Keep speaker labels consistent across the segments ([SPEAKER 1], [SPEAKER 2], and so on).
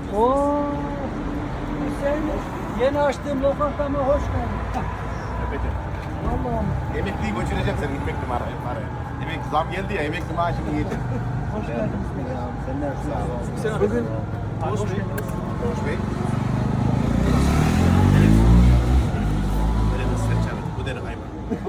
[SPEAKER 1] Oo. Hüseyin, yeni açtığım lokantama hoş geldin.
[SPEAKER 2] Yapacağım.
[SPEAKER 1] Allah'ım.
[SPEAKER 2] Emekliyi götüreceğim senin emekli parayı. Emekli zam geldi ya emekli maaşını yiyeceğim.
[SPEAKER 1] Hoş geldiniz.
[SPEAKER 2] Sen ne yapıyorsun?
[SPEAKER 1] Sağ olun. Bugün hoş geldiniz.
[SPEAKER 2] Hoş Bey. Böyle de serçalı. Bu deri hayvan.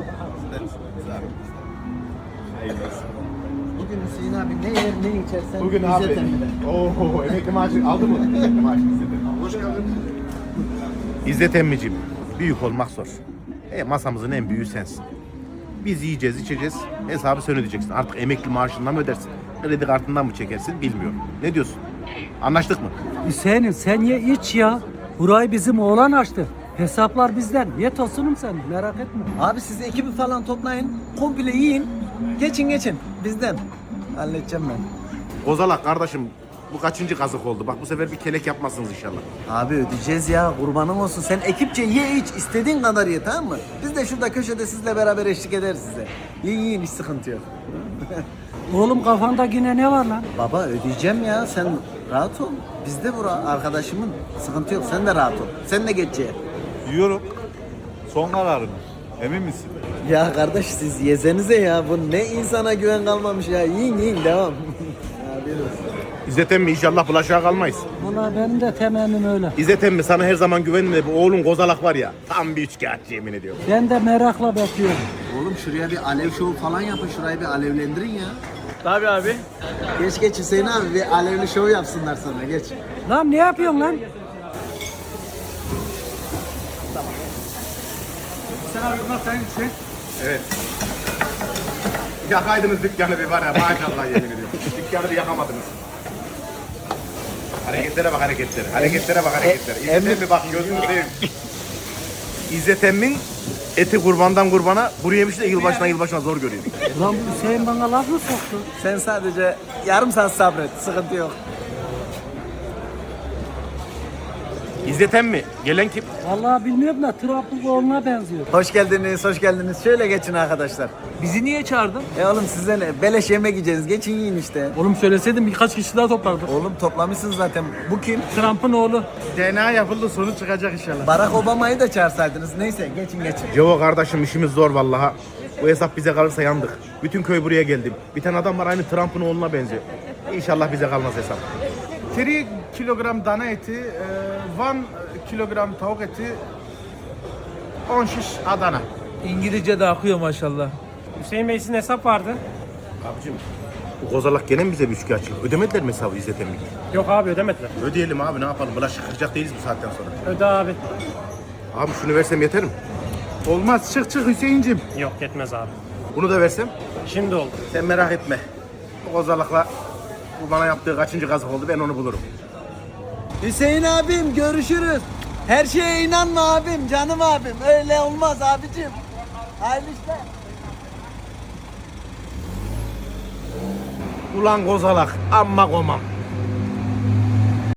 [SPEAKER 2] Hayırlı olsun.
[SPEAKER 1] Bugün Hüseyin abi ne yer ne içersen
[SPEAKER 2] Bugün abi. Oho emekli maaşı aldı mı? Emekli maaşı İzzet emmi. Hoş geldin. İzzet emmiciğim. Büyük olmak zor. Masamızın en büyüğü sensin. Biz yiyeceğiz, içeceğiz. Hesabı sen ödeyeceksin. Artık emekli maaşından mı ödersin? Kredi kartından mı çekersin bilmiyorum. Ne diyorsun? Anlaştık mı?
[SPEAKER 1] Hüseyin'im sen ye iç ya. Burayı bizim oğlan açtı. Hesaplar bizden. Ye tosunum sen merak etme.
[SPEAKER 3] Abi siz ekibi falan toplayın. Komple yiyin. Geçin. Bizden. Halledeceğim ben.
[SPEAKER 2] Kozalak kardeşim bu kaçıncı kazık oldu? Bak bu sefer bir kelek yapmazsınız inşallah.
[SPEAKER 3] Abi ödeyeceğiz ya. Kurbanın olsun. Sen ekipçe ye iç. İstediğin kadar ye, tamam mı? Biz de şurada köşede sizle beraber eşlik ederiz size. Yiyin hiç sıkıntı yok.
[SPEAKER 1] Oğlum kafanda yine ne var lan?
[SPEAKER 3] Baba ödeyeceğim ya. Sen rahat ol. Bizde bura arkadaşımın. Sıkıntı yok. Sen de rahat ol. Sen de geç ye.
[SPEAKER 4] Yiyorum. Son kararın. Emin misin?
[SPEAKER 3] Ya kardeş siz yesenize ya. Bu ne insana güven kalmamış ya. Yiyin devam. Ya bir olsun.
[SPEAKER 2] İzzet emmi inşallah bulaşığa kalmayız.
[SPEAKER 1] Valla benim de temennim öyle.
[SPEAKER 2] İzzet emmi sana her zaman güvenme de bu oğlun Kozalak var ya tam bir üçkağıtçı yemin ediyorum.
[SPEAKER 1] Ben de merakla bekliyorum.
[SPEAKER 3] Oğlum şuraya bir alev şovu falan yapın. Şurayı bir alevlendirin ya.
[SPEAKER 5] Tabii abi.
[SPEAKER 3] Geç Hüseyin abi bir alevli şov yapsınlar sana geç.
[SPEAKER 1] Lan ne yapıyorsun lan?
[SPEAKER 5] Sen abi bunlar senin için.
[SPEAKER 2] Evet. Yakaydınız dükkanı bir var ya maşallah yemin ediyorum. Dükkanı bir yakamadınız. Hareketlere bak hareketlere. Hareketlere bak hareketlere. İzzet emmi bak gözünü seveyim. İzzet emmin eti kurbandan kurbana kuru yemiş de yılbaşına zor görüyor.
[SPEAKER 1] Lan bu Hüseyin bana laf mı soktu?
[SPEAKER 3] Sen sadece yarım saat sabret sıkıntı yok.
[SPEAKER 2] İzzet emmi gelen kim?
[SPEAKER 1] Vallahi bilmiyorum da Trabzon'a benziyor.
[SPEAKER 3] Hoş geldiniz. Şöyle geçin arkadaşlar.
[SPEAKER 5] Bizi niye çağırdın?
[SPEAKER 3] Oğlum size ne? Beleş yemek yiyeceğiz. Geçin yiyin işte.
[SPEAKER 5] Oğlum söyleseydin birkaç kişi daha toplardık.
[SPEAKER 3] Oğlum toplamışsınız zaten. Bu kim?
[SPEAKER 5] Trump'ın oğlu.
[SPEAKER 4] DNA yapıldı sonuç çıkacak inşallah.
[SPEAKER 3] Barack Obama'yı da çağırsaydınız. Neyse geçin.
[SPEAKER 2] Cevo kardeşim işimiz zor vallahi. Bu hesap bize kalırsa yandık. Bütün köy buraya geldim. Bir tane adam var aynı Trump'ın oğluna benziyor. İnşallah bize kalmaz hesap.
[SPEAKER 4] 3 kilogram dana eti, 1 kilogram tavuk eti, 10 şiş Adana.
[SPEAKER 5] İngilizce de akıyor maşallah. Hüseyin Bey sizin hesap vardı.
[SPEAKER 2] Abicim bu Kozalak gene mi bize bir üçkağıtçı? Ödemediler mi hesabı İzzet emmi?
[SPEAKER 5] Yok abi ödemediler.
[SPEAKER 2] Ödeyelim abi ne yapalım? Bulaşık kıracak değiliz bu saatten sonra.
[SPEAKER 5] Öde abi.
[SPEAKER 2] Abi şunu versem yeter mi?
[SPEAKER 4] Olmaz çık Hüseyin'cim.
[SPEAKER 5] Yok yetmez abi.
[SPEAKER 2] Bunu da versem?
[SPEAKER 5] Şimdi oldu.
[SPEAKER 2] Sen merak etme. Bu Kozalak'la bu bana yaptığı kaçıncı kazık oldu ben onu bulurum.
[SPEAKER 3] Hüseyin abim görüşürüz. Her şeye inanma abim, canım abim. Öyle olmaz abicim. Hayırlı işler.
[SPEAKER 2] Ulan Kozalak amma komam.